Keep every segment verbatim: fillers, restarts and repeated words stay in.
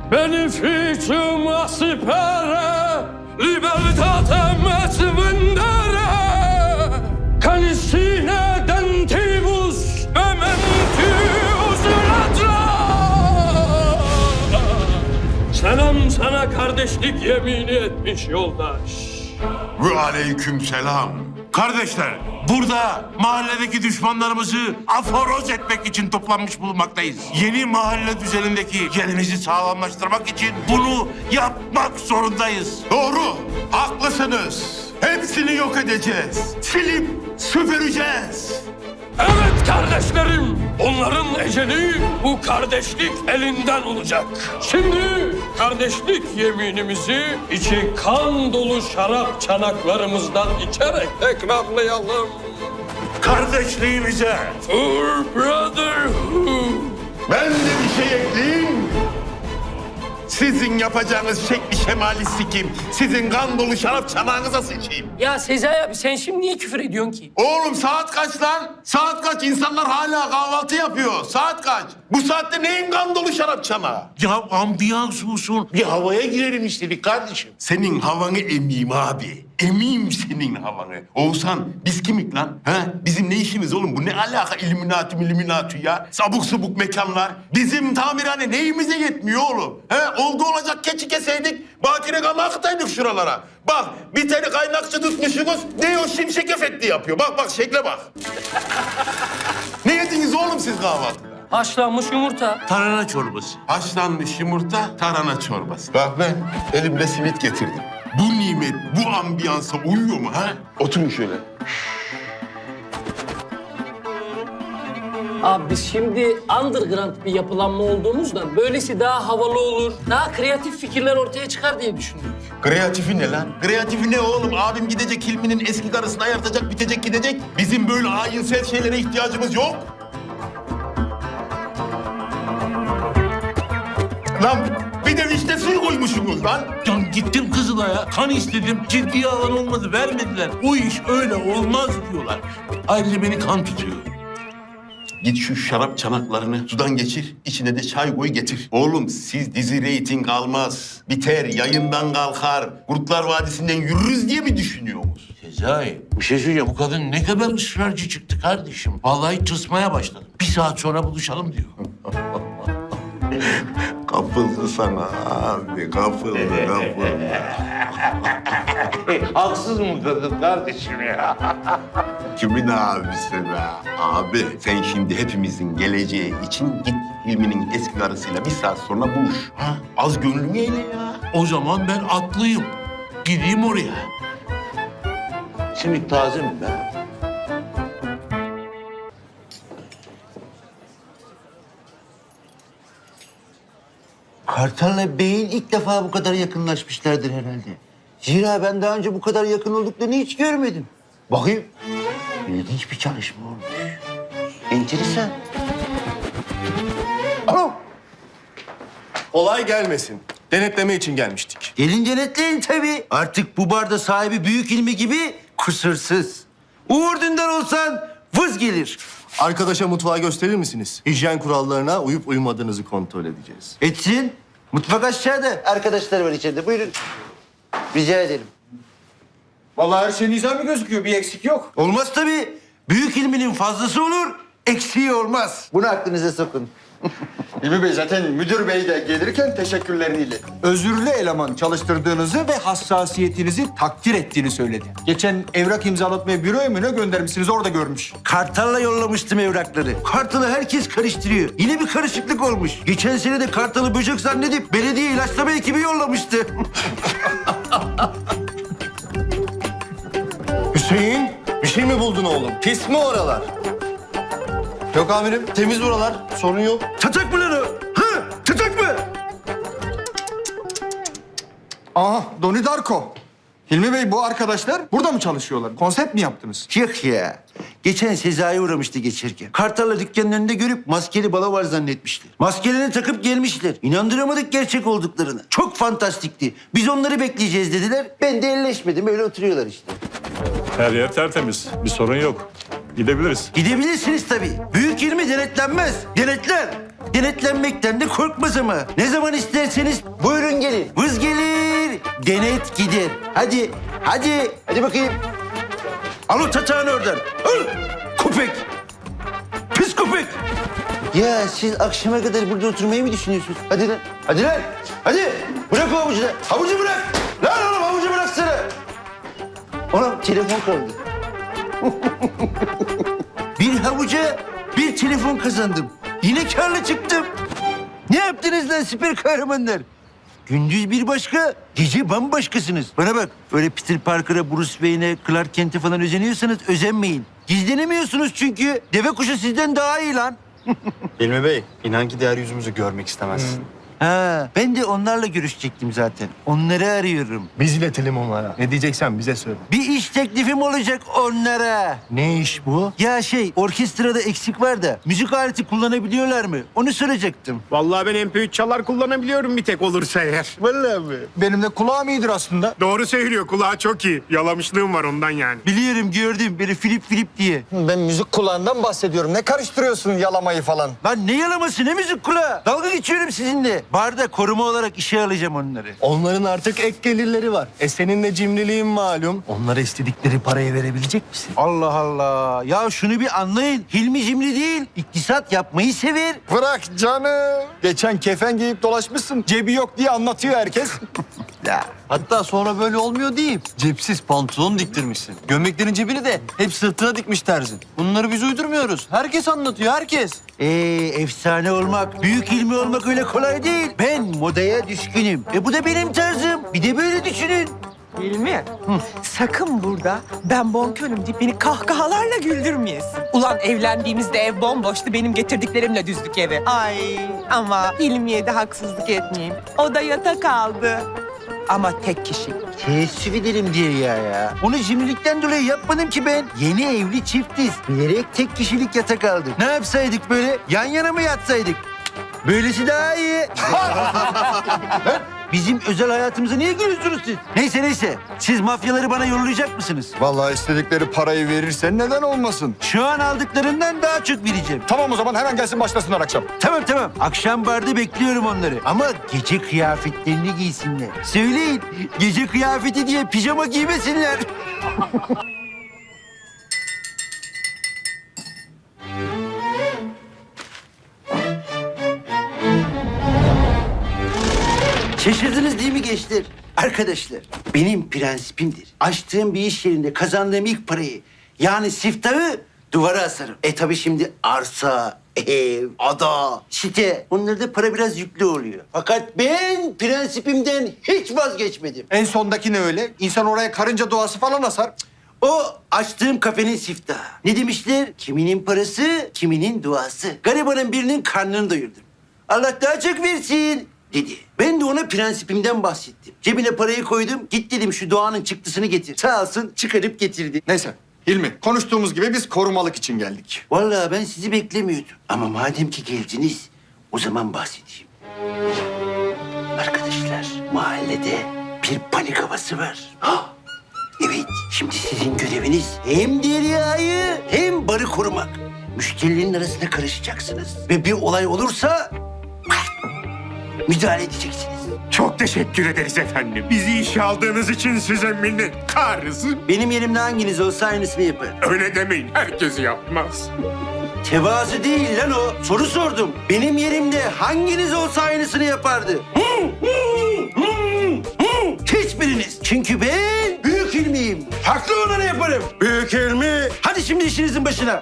Beneficium aspera, libertatem et vendere, canisine dentibus mementius ladra. Selam sana kardeşlik yemini etmiş yoldaş. Ve aleyküm selam. Kardeşler, burada mahalledeki düşmanlarımızı aforoz etmek için toplanmış bulunmaktayız. Yeni mahalle düzenindeki yerimizi sağlamlaştırmak için bunu yapmak zorundayız. Doğru, haklısınız. Hepsini yok edeceğiz. Silip süpüreceğiz. Evet kardeşlerim, onların eceli bu kardeşlik elinden olacak. Şimdi kardeşlik yeminimizi içi kan dolu şarap çanaklarımızdan içerek tekrarlayalım. Kardeşliğimize. For brotherhood. Ben de bir şey ekleyeyim. Sizin yapacağınız şekli şemali sikim. Sizin kan dolu şarap çanağınıza sıçayım. Ya Sezai abi sen şimdi niye küfür ediyorsun ki? Oğlum saat kaç lan? Saat kaç? İnsanlar hala kahvaltı yapıyor. Saat kaç? Bu saatte neyin kan dolu şarap çanağı? Ya ambiyans olsun. Bir havaya girelim istedik kardeşim. Senin havanı emeyim abi. Emeyim senin havanı. Oğuzhan biz kimik lan? Ha? Bizim ne işimiz oğlum? Bu ne alaka illuminati illuminati ya? Sabuk subuk mekanlar. Bizim tamirhane neyimize yetmiyor oğlum? He? Oldu olacak keçi keseydik. Bakire gama akıtaydık şuralara. Bak bir tane kaynakçı tutmuşsunuz. Ne o şimşek efekti yapıyor. Bak bak şekle bak. Ne yediniz oğlum siz kahvaltıda? Haşlanmış yumurta. Tarhana çorbası. Haşlanmış yumurta, tarhana çorbası. Bak ben elimle simit getirdim. Bu nimet, bu ambiyansa uyuyor mu ha? Oturun şöyle. Abi biz şimdi underground bir yapılanma olduğumuzdan böylesi daha havalı olur, daha kreatif fikirler ortaya çıkar diye düşündük. Kreatifi ne lan? Kreatifi ne oğlum? Abim gidecek Hilmi'nin eski karısını ayartacak, bitecek gidecek. Bizim böyle ayinsel şeylere ihtiyacımız yok. Lan bir de vişne suyu koymuşsunuz lan. Ya gittim Kızılay'a, kan istedim. Ciddiye alan olmadı, vermediler. O iş öyle olmaz diyorlar. Ayrıca beni kan tutuyor. Git şu şarap çanaklarını sudan geçir, içine de çay koy getir. Oğlum siz dizi reyting almaz, biter, yayından kalkar, Kurtlar Vadisi'nden yürürüz diye mi düşünüyorsunuz? Sezai, bir şey söyleyeceğim. Bu kadın ne kadar ısrarcı çıktı kardeşim. Vallahi tırsmaya başladım. Bir saat sonra buluşalım diyor. Kapıldı sana abi, kapıldı, kapıldı. Haksız mı kadın kardeşim ya? Kimin abisi be? Abi sen şimdi hepimizin geleceği için git Hilmi'nin eski karısıyla bir saat sonra buluş. Ha? Az gönlünü eyle ya. O zaman ben atlıyım. Gideyim oraya. Simit taze mi be? Kartal'la Bey'in ilk defa bu kadar yakınlaşmışlardır herhalde. Zira ben daha önce bu kadar yakın olduklarını hiç görmedim. Bakayım. İlginç bir çalışma olmuş. Enteresan. Alo. Olay gelmesin. Denetleme için gelmiştik. Gelin denetleyin tabii. Artık bu barda sahibi büyük ilmi gibi kusursuz. Uğur Dündar olsan vız gelir. Arkadaşa mutfağı gösterir misiniz? Hijyen kurallarına uyup uymadığınızı kontrol edeceğiz. Etsin. Mutfak aşağıda. Arkadaşlar var içeride. Buyurun. Rica ederim. Vallahi her şey nizami gözüküyor. Bir eksik yok. Olmaz tabii. Büyük ilminin fazlası olur, eksiği olmaz. Bunu aklınıza sokun. İlmi Bey zaten müdür bey de gelirken teşekkürlerini iletti. Özürlü eleman çalıştırdığınızı ve hassasiyetinizi takdir ettiğini söyledi. Geçen evrak imzalatmaya büroya mı ne göndermişsiniz orada görmüş. Kartal'la yollamıştım evrakları. Kartal'ı herkes karıştırıyor. Yine bir karışıklık olmuş. Geçen sene de Kartal'ı böcek zannedip belediye ilaçlama ekibi yollamıştı. Hüseyin, bir şey mi buldun oğlum? Pis mi oralar? Yok amirim, temiz buralar. Sorun yok. Tatak mı lan o? Ha? Tatak mı? Aha Doni Darko. Hilmi Bey bu arkadaşlar burada mı çalışıyorlar? Konsept mi yaptınız? Yok ya. Geçen Sezai'ye uğramıştı geçerken. Kartal'la dükkanın önünde görüp maskeli balo var zannetmişler. Maskelerini takıp gelmişler. İnandıramadık gerçek olduklarını. Çok fantastikti. Biz onları bekleyeceğiz dediler. Ben de elleşmedim. Öyle oturuyorlar işte. Her yer tertemiz. Bir sorun yok. Gidebiliriz. Gidebilirsiniz tabii. Büyük ilmi denetlenmez. Denetler. Denetlenmekten de korkmaz ama. Ne zaman isterseniz buyurun gelin. Vız gelir, denet gider. Hadi, hadi, hadi bakayım. Al o tatağını oradan. Al, köpek. Pis köpek. Ya siz akşama kadar burada oturmayı mı düşünüyorsunuz? Hadi lan, hadi lan. Hadi, bırak o havucu da. Havucu bırak. Lan oğlum havucu bıraksana. Oğlum telefon kaldı. Bir havuca bir telefon kazandım. Yine karlı çıktım. Ne yaptınız lan süper kahramanlar? Gündüz bir başka, gece bambaşkasınız. Bana bak, öyle Peter Parker'a, Bruce Wayne'e, Clark Kent'e falan özeniyorsanız özenmeyin. Gizlenemiyorsunuz çünkü. Deve kuşu sizden daha iyi lan. Hilmi Bey, inan ki diğer yüzümüzü görmek istemezsin. Ha, ben de onlarla görüşecektim zaten. Onları arıyorum. Biz iletelim onlara. Ne diyeceksen bize söyle. Bir iş teklifim olacak onlara. Ne iş bu? Ya şey, orkestrada eksik var da müzik aleti kullanabiliyorlar mı? Onu soracaktım. Vallahi ben M P üç çalar kullanabiliyorum bir tek olursa eğer. Vallahi mi? Benim de kulağım iyidir aslında. Doğru söylüyor, kulağı çok iyi. Yalamışlığım var ondan yani. Biliyorum, gördüm. Biri Filip Filip diye. Ben müzik kulağından bahsediyorum. Ne karıştırıyorsun yalamayı falan? Lan ne yalaması, ne müzik kulağı? Dalga geçiyorum sizinle. Barda koruma olarak işe alacağım onları. Onların artık ek gelirleri var. E senin de cimriliğin malum. Onlara istedikleri parayı verebilecek misin? Allah Allah. Ya şunu bir anlayın. Hilmi cimri değil, iktisat yapmayı sever. Bırak canım. Geçen kefen giyip dolaşmışsın. Cebi yok diye anlatıyor herkes. Ya. Hatta sonra böyle olmuyor deyip cepsiz pantolon diktirmişsin. Gömleklerin cebini de hep sırtına dikmiş terzin. Bunları biz uydurmuyoruz. Herkes anlatıyor, herkes. Ee, efsane olmak, büyük ilmi olmak öyle kolay değil. Ben modaya düşkünüm. E bu da benim tarzım. Bir de böyle düşünün. Hilmi, sakın burada ben bonkörüm deyip beni kahkahalarla güldürmeyesin. Ulan evlendiğimizde ev bomboştu, benim getirdiklerimle düzdük evi. Ay ama Hilmi'ye de haksızlık etmeyeyim. O da yatak aldı. Ama tek kişi. Teessüf ederim diye ya ya. Onu cimrilikten dolayı yapmadım ki ben. Yeni evli çiftiz. Bilerek tek kişilik yatak aldım. Ne yapsaydık böyle? Yan yana mı yatsaydık? Böylesi daha iyi. Ha? Bizim özel hayatımıza niye giriyorsunuz siz? Neyse neyse. Siz mafyaları bana yollayacak mısınız? Vallahi istedikleri parayı verirsen neden olmasın? Şu an aldıklarından daha çok vereceğim. Tamam o zaman hemen gelsin başlasınlar akşam. Tamam tamam. Akşam barda bekliyorum onları. Ama gece kıyafetlerini giysinler. Söyleyin. Gece kıyafeti diye pijama giymesinler. Şaşırdınız değil mi gençler? Arkadaşlar, benim prensibimdir. Açtığım bir iş yerinde kazandığım ilk parayı, yani siftahı duvara asarım. E tabii şimdi arsa, ev, ada, site, onlarda para biraz yüklü oluyor. Fakat ben prensibimden hiç vazgeçmedim. En sondaki ne öyle? İnsan oraya karınca doğası falan asar. O açtığım kafenin siftahı. Ne demişler? Kiminin parası, kiminin duası. Garibanın birinin karnını doyurdum. Allah daha çok versin dedi. Ben de ona prensibimden bahsettim. Cebine parayı koydum. Git dedim şu doğanın çıktısını getir. Sağ olsun çıkarıp getirdi. Neyse Hilmi, konuştuğumuz gibi biz korumalık için geldik. Vallahi ben sizi beklemiyordum. Ama madem ki geldiniz, o zaman bahsedeyim. Arkadaşlar, mahallede bir panik havası var. Hah! Evet, şimdi sizin göreviniz hem Derya'yı hem barı korumak. Müşterilerin arasına karışacaksınız. Ve bir olay olursa müdahale edeceksiniz. Çok teşekkür ederiz efendim. Bizi işe aldığınız için size minnettarız. Benim yerimde hanginiz olsa aynısını yapar. Öyle demeyin, herkes yapmaz. Tevazu değil lan o. Soru sordum. Benim yerimde hanginiz olsa aynısını yapardı? Hiçbiriniz. Çünkü ben büyük ilmiyim. Haklı olanı yaparım. Büyük ilmi. Hadi şimdi işinizin başına.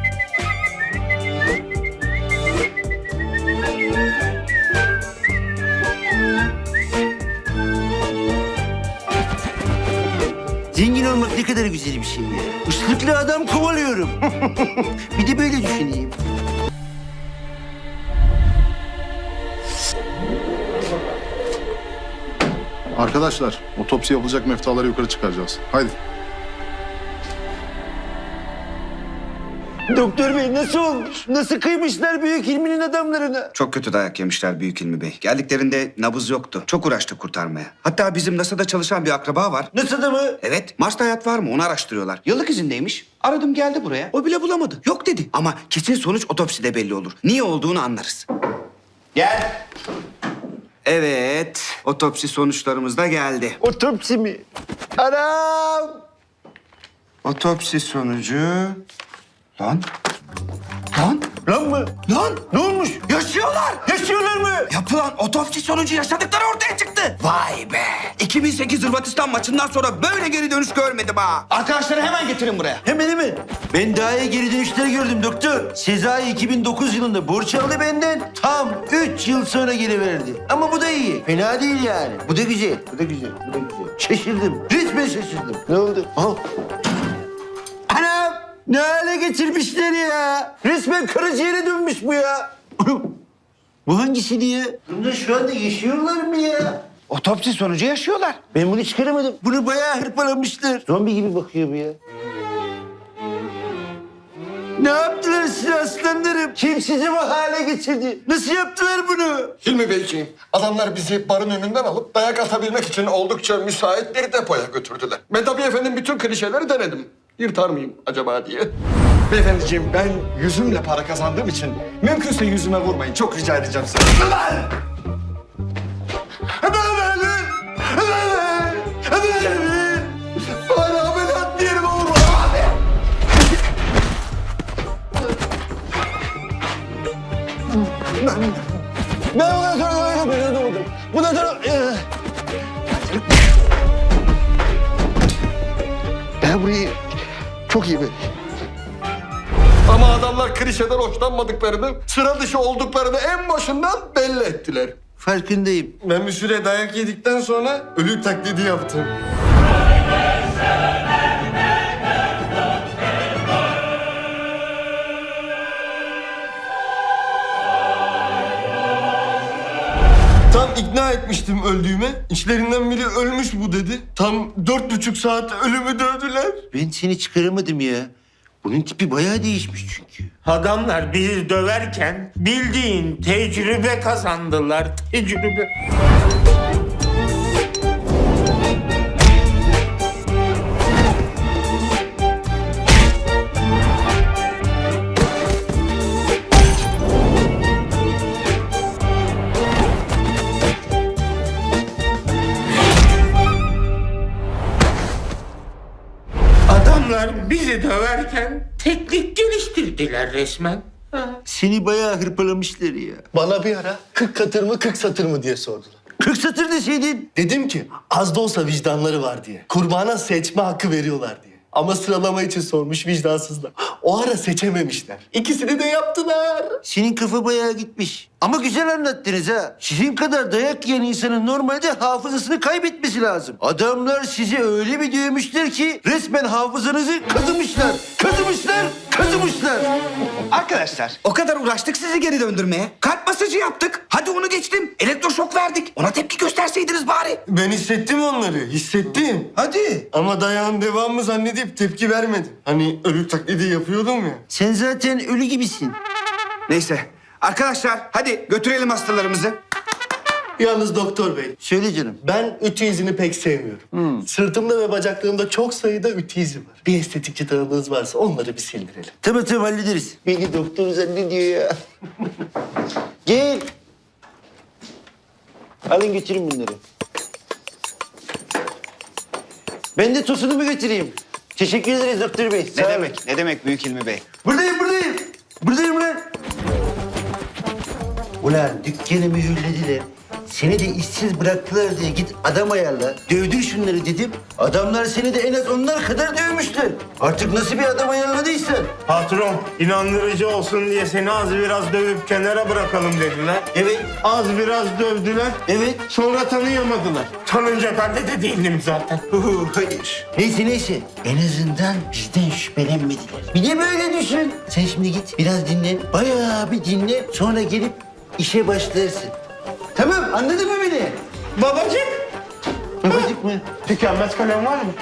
Zengin olmak ne kadar güzel bir şey ya. Islıklı adam kovalıyorum. Bir de böyle düşüneyim. Arkadaşlar, otopsi yapılacak meftaları yukarı çıkaracağız. Haydi. Doktor bey nasıl olmuş? Nasıl kıymışlar büyük ilminin adamlarına? Çok kötü dayak yemişler Büyük Hilmi Bey. Geldiklerinde nabız yoktu. Çok uğraştık kurtarmaya. Hatta bizim NASA'da çalışan bir akraba var. NASA'da mı? Evet, Mars'ta hayat var mı onu araştırıyorlar. Yıllık izindeymiş. Aradım geldi buraya. O bile bulamadı. Yok dedi. Ama kesin sonuç otopside belli olur. Niye olduğunu anlarız. Gel. Evet, otopsi sonuçlarımız da geldi. Otopsi mi? Anam. Otopsi sonucu... Lan? Lan? Lan mı? Lan? Ne olmuş? Yaşıyorlar! Yaşıyorlar mı? Yapılan otopsi sonucu yaşadıkları ortaya çıktı. Vay be! iki bin sekiz Hırvatistan maçından sonra böyle geri dönüş görmedim ha. Arkadaşları hemen getirin buraya. Hemen hemen. Ben daha iyi geri dönüşler gördüm doktor. Sezai iki bin dokuz yılında borç aldı benden. Tam üç yıl sonra geri verdi. Ama bu da iyi. Fena değil yani. Bu da güzel. Bu da güzel. Bu da güzel. Şaşırdım. Resmen şaşırdım. Ne oldu? Aha. Anam! Ne hale getirmişler ya? Resmen karaciğere dönmüş bu ya. Bu hangisi diye? Bunlar şu anda yaşıyorlar mı ya? Otopsi sonucu yaşıyorlar. Ben bunu çıkaramadım. Bunu bayağı hırpalamışlar. Zombi gibi bakıyor bu ya. Ne yaptılar size aslanlarım? Kim sizi bu hale getirdi? Nasıl yaptılar bunu? Hilmi Beyciğim, adamlar bizi barın önünden alıp dayak atabilmek için oldukça müsait bir depoya götürdüler. Ben tabii efendim bütün klişeleri denedim. Yırtar mıyım acaba diye. Beyefendiciğim, ben yüzümle para kazandığım için mümkünse yüzüme vurmayın. Çok rica edeceğim size. Ulan! Bana ameliyat diyelim olur mu? Ben bundan sonra oynamıyorum. Ne oldu? Bundan sonra... Ben burayı çok iyi bilirim. Ama adamlar klişeden hoşlanmadıklarını, sıra dışı olduklarını en başından belli ettiler. Farkındayım. Ben bir süre dayak yedikten sonra ölü taklidi yaptım. Tam ikna etmiştim öldüğüme. İçlerinden biri ölmüş bu dedi. Tam dört buçuk saat ölümü dövdüler. Ben seni çıkaramadım ya. Bunun tipi bayağı değişmiş çünkü. Adamlar bizi döverken bildiğin tecrübe kazandılar. Tecrübe. Adamlar bizi döverken teknik geliştirdiler resmen. Seni bayağı hırpalamışlar ya. Bana bir ara kırk katır mı kırk satır mı diye sordular. kırk satır deseydin. Dedim ki az da olsa vicdanları var diye. Kurbana seçme hakkı veriyorlar diye. Ama sıralama için sormuş vicdansızlar. O ara seçememişler. İkisini de yaptılar. Senin kafa bayağı gitmiş. Ama güzel anlattınız ha. Sizin kadar dayak yiyen insanın normalde hafızasını kaybetmesi lazım. Adamlar sizi öyle bir dövmüşler ki resmen hafızanızı kazımışlar. Kazımışlar, kazımışlar. Arkadaşlar, o kadar uğraştık sizi geri döndürmeye. Kalp masajı yaptık. Hadi onu geçtim. Elektroşok verdik. Ona tepki gösterseydiniz bari. Ben hissettim onları. Hissettim. Hadi. Ama dayağın devamı zannedip tepki vermedim. Hani ölü taklidi yapıyordum ya. Sen zaten ölü gibisin. Neyse. Arkadaşlar, hadi götürelim hastalarımızı. Yalnız doktor bey, Söyle canım. ben ütü izini pek sevmiyorum. Sırtımda ve bacaklarımda çok sayıda ütü izi var. Bir estetikçi tanıdığınız varsa onları bir sildirelim. Tamam tamam hallederiz. Beni doktor zannediyor ya. Gel. Alın götürün bunları. Ben de tosunumu götüreyim. Teşekkür ederiz doktor bey. Sağ Ne olun. demek? Ne demek Büyük Hilmi Bey? Buradayım buradayım. Buradayım lan. Ulan dükkanı mühürlediler. Seni de işsiz bıraktılar diye git adam ayarla. Dövdür şunları dedim. Adamlar seni de en az onlar kadar dövmüşler. Artık nasıl bir adam ayarladıysan. Patron, inandırıcı olsun diye seni az biraz dövüp kenara bırakalım dediler. Evet, Az biraz dövdüler. evet. Sonra tanıyamadılar. Tanınacak halde de değildim zaten. Uhu, hayır. Neyse neyse. En azından bizden şüphelenmediler. Bir de böyle düşün. Sen şimdi git biraz dinlen. Bayağı bir dinle. Sonra gelip işe başlarsın. Tamam anladın mı beni? Babacık, Babacık mı? tükenmez kalem var mı?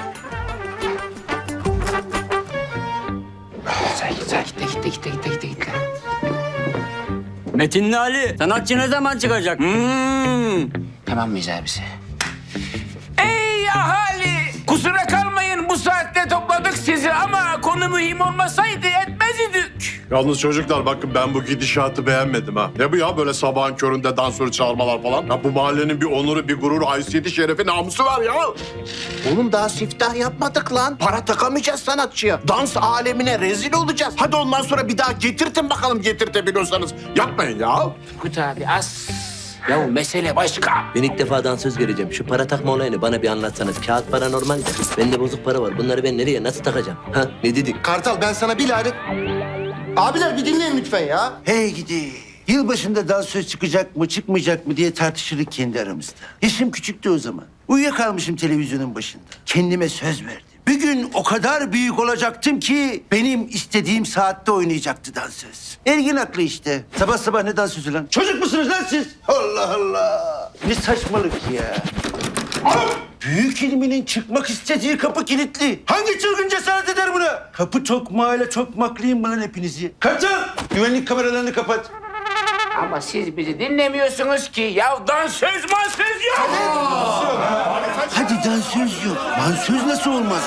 Metinli Ali, sanatçı ne zaman çıkacak? Hmm. Tamam mıyız abisi? Ey ahali! Kusura kalmayın bu saatte topladık sizi ama konu mühim olmasaydı etmez idik. büyük. Yalnız çocuklar bakın ben bu gidişatı beğenmedim ha. Ne bu ya böyle sabahın köründe dansörü çağırmalar falan? Ya bu mahallenin bir onuru, bir gururu, haysiyeti, şerefi, namusu var ya. Oğlum daha siftah yapmadık lan. Para takamayacağız sanatçıya. Dans alemine rezil olacağız. Hadi ondan sonra bir daha getirtin bakalım getirtebiliyorsanız. Yapmayın ya. Kut abi az. Ya mesele başka. Ben ilk defa dansöz göreceğim. Şu para takma olayını bana bir anlatsanız. Kağıt para normal de. Bende bozuk para var. Bunları ben nereye nasıl takacağım? Ha ne dedik? Kartal ben sana bir lanet... Abiler bir dinleyin lütfen ya. Hey gidi. Yılbaşında dansöz çıkacak mı çıkmayacak mı diye tartışırdık kendi aramızda. Yaşım küçüktü o zaman. Uyuyakalmışım televizyonun başında. Kendime söz verdim. Bir gün o kadar büyük olacaktım ki benim istediğim saatte oynayacaktı dansöz. Ergin aklı işte. Sabah sabah ne dansözü lan? Çocuk musunuz lan siz? Allah Allah. Ne saçmalık ya. Büyük ilminin çıkmak istediği kapı kilitli. Hangi çılgın cesaret eder buna? Kapı tokmağıyla tokmaklayayım mı lan hepinizi? Kartal! Güvenlik kameralarını kapat. Ama siz bizi dinlemiyorsunuz ki. Ya dansöz mansöz yok. Hadi dansöz yok. Dansöz nasıl olmaz?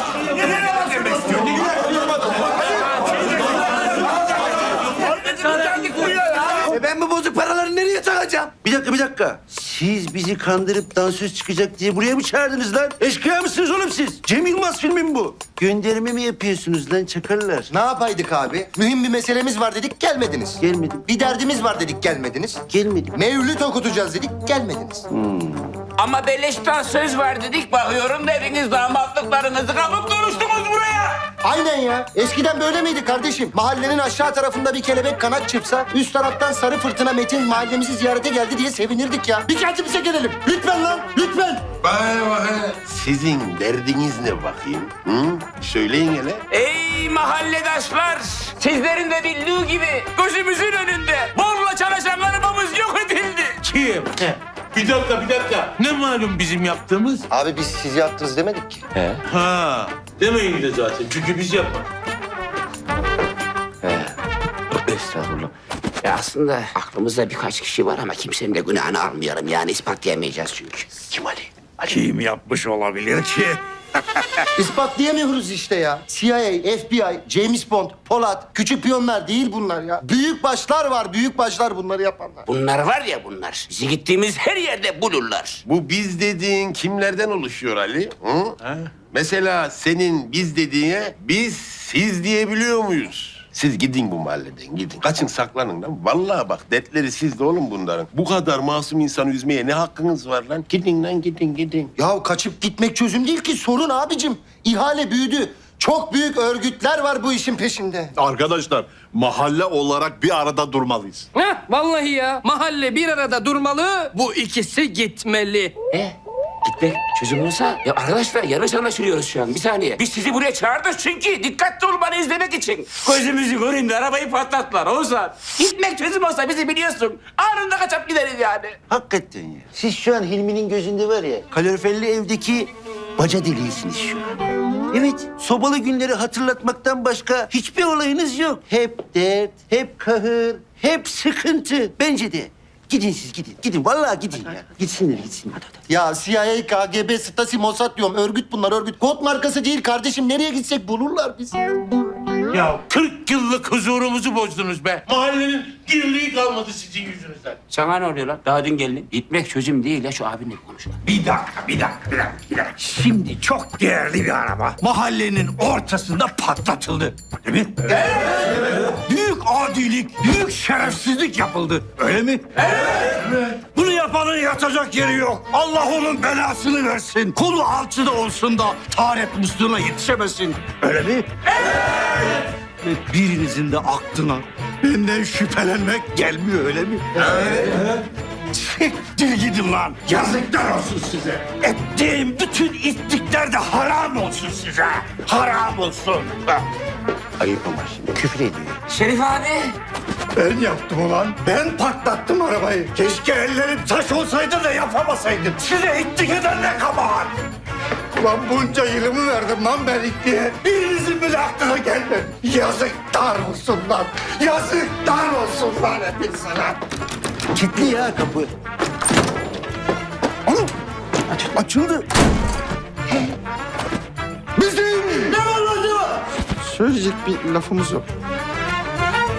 E ben bu bozuk paraları nereye takacağım? Bir dakika, bir dakika. Siz bizi kandırıp dansöz çıkacak diye buraya mı çağırdınız lan? Eşkıya mısınız oğlum siz? Cem Yılmaz filmi mi bu? Gönderme mi yapıyorsunuz lan çakallar? Ne yapaydık abi? Mühim bir meselemiz var dedik gelmediniz. Gelmedim. Bir derdimiz var dedik gelmediniz. Gelmedim. Mevlüt okutacağız dedik gelmediniz. Ama beleşten söz var dedik. Bakıyorum da hepiniz damatlıklarınızı kapıp duruştunuz buraya. Aynen ya. Eskiden böyle miydi kardeşim? Mahallenin aşağı tarafında bir kelebek kanat çırpsa üst taraftan sarı fırtına Metin mahallemizi ziyarete geldi diye sevinirdik ya. Bir kendimize gelelim. Lütfen lan, lütfen. Sizin derdiniz ne bakayım? Hı? Söyleyin hele. Ey mahalledaşlar. Sizlerin de bildiği gibi gözümüzün önünde borla çalışanlarımız yok edildi. Kim? Bir dakika, bir dakika. Ne malum bizim yaptığımız? Abi biz siz yaptınız demedik ki. Ha, demeyin de zaten. Çünkü biz yapmadık. Estağfurullah. Ya aslında aklımızda birkaç kişi var ama kimsenin de günahını almayalım. Yani ispatlayamayacağız çünkü. Kim Ali? Kim yapmış olabilir ki? İspatlayamıyoruz işte ya. C I A, F B I, James Bond, Polat, küçük piyonlar değil bunlar ya. Büyük başlar var, büyük başlar bunları yapanlar. Bunlar var ya bunlar. Bizi gittiğimiz her yerde bulurlar. Bu biz dediğin kimlerden oluşuyor Ali? Hı? Mesela senin biz dediğine biz siz diyebiliyor muyuz? Siz gidin bu mahalleden gidin. Kaçın saklanın lan. Vallahi bak dertleri sizde oğlum bunların. Bu kadar masum insanı üzmeye ne hakkınız var lan? Gidin lan gidin gidin. Ya kaçıp gitmek çözüm değil ki sorun abicim. İhale büyüdü. Çok büyük örgütler var bu işin peşinde. Arkadaşlar mahalle olarak bir arada durmalıyız. Heh, vallahi ya. Mahalle bir arada durmalı. Bu ikisi gitmeli. E? Gitmek çözüm olsa... Ya arkadaşlar yanlış anlaşılıyoruz şu an. Bir saniye. Biz sizi buraya çağırdık çünkü dikkatli olmanı izlemek için. Gözümüzü göreyim de arabayı patlattılar Oğuzhan. Gitmek çözüm olsa bizi biliyorsun. Anında kaçıp gideriz yani. Hakikaten ya. Siz şu an Hilmi'nin gözünde var ya, kaloriferli evdeki baca deliğisiniz şu an. Evet, sobalı günleri hatırlatmaktan başka hiçbir olayınız yok. Hep dert, hep kahır, hep sıkıntı. Bence de. Gidin siz gidin. Gidin vallahi gidin ya. Gitsinler gitsinler. Ya C I A, K G B, Stasi, Mossad diyorum. Örgüt bunlar örgüt. Kod markası değil kardeşim. Nereye gitsek bulurlar bizi. Ya kırk yıllık huzurumuzu bozdunuz be. Mahallenin dirliği kalmadı sizin yüzünüzden. Sana ne oluyor lan? Daha dün geldin. Gitmek çözüm değil ya şu abinle konuş. Bir dakika, bir dakika, bir dakika, bir dakika. Şimdi çok değerli bir araba mahallenin ortasında patlatıldı. Değil mi? Evet. Büyük adilik, büyük şerefsizlik yapıldı. Öyle mi? Evet. Bunu yapanın yatacak yeri yok. Allah onun belasını versin. Kolu alçıda olsun da taharet musluğuna yetişemesin. Öyle mi? Evet. Ve birinizin de aklına benden şüphelenmek gelmiyor öyle mi? Evet. Evet. Siktir gidin lan. Yazıklar olsun size. Ettiğim bütün ittikler de haram olsun size. Haram olsun. Ayıp ama şimdi küfür ediyor. Şerif abi. Ben yaptım ulan. Ben patlattım arabayı. Keşke ellerim taş olsaydı da yapamasaydım. Size ittik eden ne kabahat. Ulan bunca yılımı verdim lan ben ittiğe. Birinizin bile aklına gelmedi. Yazıklar olsun lan. Yazıklar olsun lan hepinize lan. Kilitli ya kapı. Oğlum aç, açıldı. Bizim. Ne var lan ne var? Söyleyecek bir lafımız yok.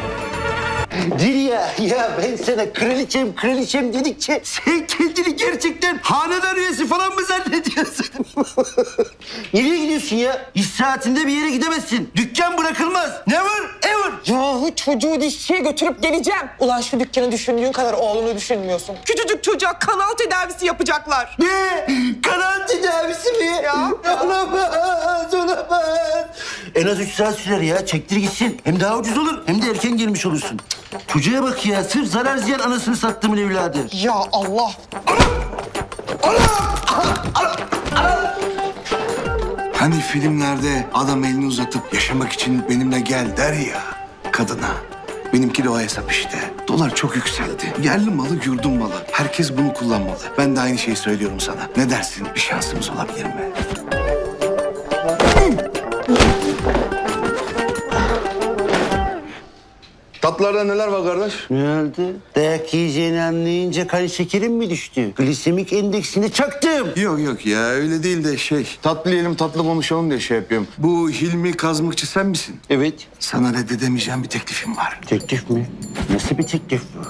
Dilya, ya ben sana kraliçem kraliçem dedikçe sen kendini gerçekten hanedan üyesi falan mı zannediyorsun? Nereye gidiyorsun ya? İş saatinde bir yere gidemezsin. Dükkan bırakılmaz. Never ever. Yahu çocuğu dişçiye götürüp geleceğim. Ulan şu dükkanı düşündüğün kadar oğlunu düşünmüyorsun. Küçücük çocuğa kanal tedavisi yapacaklar. Ne? Kanal tedavisi mi? Ya. Olamaz, olamaz. En az üç saat sürer ya. Çektir gitsin. Hem daha ucuz olur hem de erken gelmiş olursun. Çocuğa bak ya. Sırf zarar ziyan anasını sattımın evladı. Ya Allah. Hani filmlerde adam elini uzatıp yaşamak için benimle gel der ya kadına. Benimki de o hesap işte. Dolar çok yükseldi. Yerli malı, yurdum malı. Herkes bunu kullanmalı. Ben de aynı şeyi söylüyorum sana. Ne dersin? Bir şansımız olabilir mi? Tatlılarda neler var kardeş? Ne oldu? Dayak yiyeceğini anlayınca kan şekerim mi düştü? Glisemik endeksini çaktım. Yok yok ya öyle değil de şey. Tatlı yiyelim tatlı konuşalım diye şey yapıyorum. Bu Hilmi Kazmıkçı sen misin? Evet. Sana reddedemeyeceğim bir teklifim var. Teklif mi? Nasıl bir teklif bu?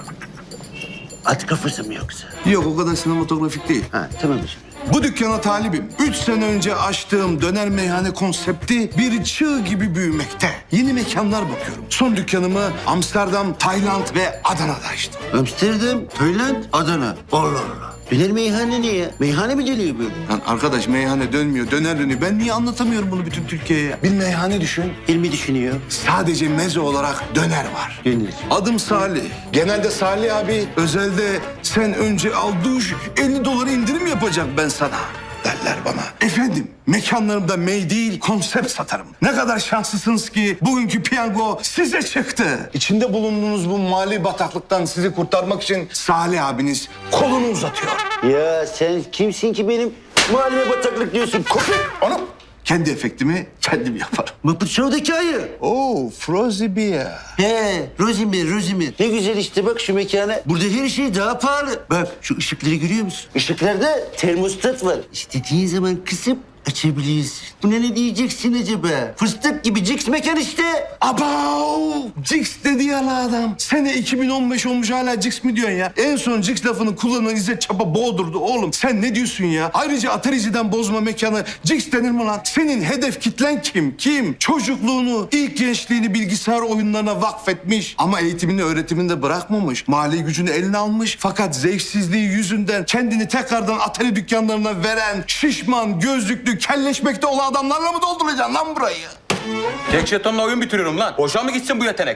At kafası mı yoksa? Yok o kadar sinematografik değil. Ha tamam şimdi. Bu dükkana talibim. Üç sene önce açtığım döner meyhane konsepti bir çığ gibi büyümekte. Yeni mekanlar bakıyorum. Son dükkanımı Amsterdam, Tayland ve Adana'da açtım. Amsterdam, Tayland, Adana. Allah Allah. Döner meyhane ne ya? Meyhane mi dönüyor böyle? Lan arkadaş meyhane dönmüyor, döner dönüyor. Ben niye anlatamıyorum bunu bütün Türkiye'ye? Bir meyhane düşün. İlmi düşünüyor. Sadece meze olarak döner var. Döner. Adım Salih. Genelde Salih abi, özelde sen önce al duş, elli dolara indirim yapacak ben sana derler bana. Efendim, mekanlarımda mey değil, konsept satarım. Ne kadar şanslısınız ki bugünkü piyango size çıktı. İçinde bulunduğunuz bu mali bataklıktan sizi kurtarmak için Salih abiniz kolunu uzatıyor. Ya sen kimsin ki benim mahalleme bataklık diyorsun? Köpek! Onu kendi efektimi kendim yaparım. Muppet Show'daki ayı. Oo, Frozy Beer. He, Rosimir, Rosimir. Ne güzel işte bak şu mekana. Burada her şey daha pahalı. Bak şu ışıkları görüyor musun? Işıklarda termostat var. İstediğin zaman kısıp açabiliyorsun. Buna ne diyeceksin acaba? Fıstık gibi Cix mekan işte. Abav! Cix dedi ya la adam. Sene iki bin on beş olmuş hala Cix mi diyorsun ya? En son Cix lafını kullanan İzzet Çapa boğdurdu oğlum. Sen ne diyorsun ya? Ayrıca Atarici'den bozma mekanı Cix denir mi lan? Senin hedef kitlen kim? Kim? Çocukluğunu, ilk gençliğini bilgisayar oyunlarına vakfetmiş. Ama eğitimini, öğretimini de bırakmamış. Mali gücünü eline almış. Fakat zevksizliği yüzünden kendini tekrardan Atari dükkanlarına veren şişman, gözlüklü, kelleşmekte olan adamlarla mı dolduracaksın lan burayı? Tek jetonla oyun bitiriyorum lan. Boşa mı gitsin bu yetenek?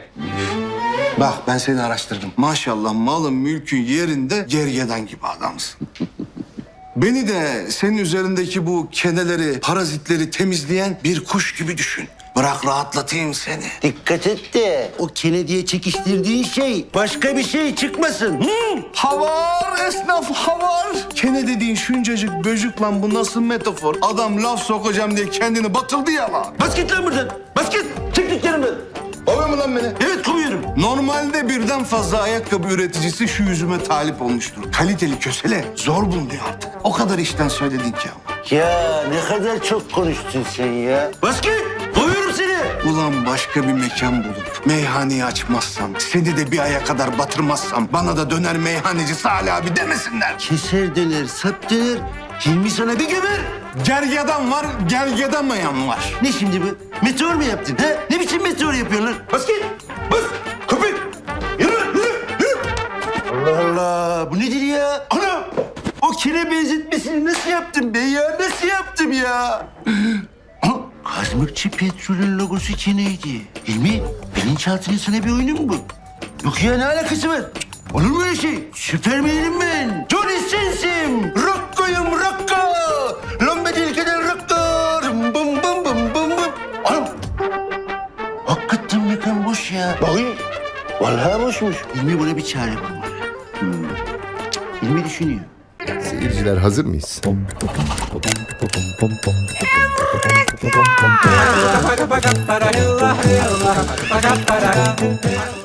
Bak ben seni araştırdım. Maşallah malın mülkün yerinde gergedan gibi adamsın. Beni de senin üzerindeki bu keneleri, parazitleri temizleyen bir kuş gibi düşün. Bırak rahatlatayım seni. Dikkat et de o Kennedy'ye çekiştirdiğin şey başka bir şey çıkmasın. Hı? Havar esnaf havar. Kene dediğin şuncacık böcük lan bu nasıl metafor? Adam laf sokacağım diye kendini batırdı ya lan. Bas git lan buradan. Bas git. Çık dükkanımdan. Kovuyor mu lan beni? Evet kovuyorum. Normalde birden fazla ayakkabı üreticisi şu yüzüme talip olmuştur. Kaliteli kösele zor bulunuyor artık. O kadar işten söyledin ki ama. Ya ne kadar çok konuştun sen ya. Bas git. Kovuyorum seni. Ulan başka bir mekan bulup meyhaneyi açmazsam, seni de bir aya kadar batırmazsam bana da döner meyhaneci Salih abi demesinler. Keser döner, sap döner. Hilmi sana bir gömer. Gergedan var, gergedamayan var. Ne şimdi bu? Meteor mu yaptın? Ha? Ne biçim meteor yapıyorsun lan? Bas git. Bas. Köpek. Yürü, yürü, yürü. Allah Allah. Bu nedir ya? Ana. O kene benzetmesini nasıl yaptım ben ya? Nasıl yaptım ya? Kazmıkçı Petrol'ün logosu keneydi. Hilmi, bilinçaltının sana bir oyunu mu bu? Yok ya ne alakası var? Olur mu öyle şey? Süpermenim ben. Johnny Sens'im. Rocko'yum Rocko. Lombe dilkeden Rocko. Bum bum bum bum bum bum. Oğlum. Hakikaten mekan boş ya. Bakayım. Vallahi boşmuş. Hilmi buna bir çare bulmalı. Hmm. Hilmi düşünüyor. Seyirciler hazır mıyız? Para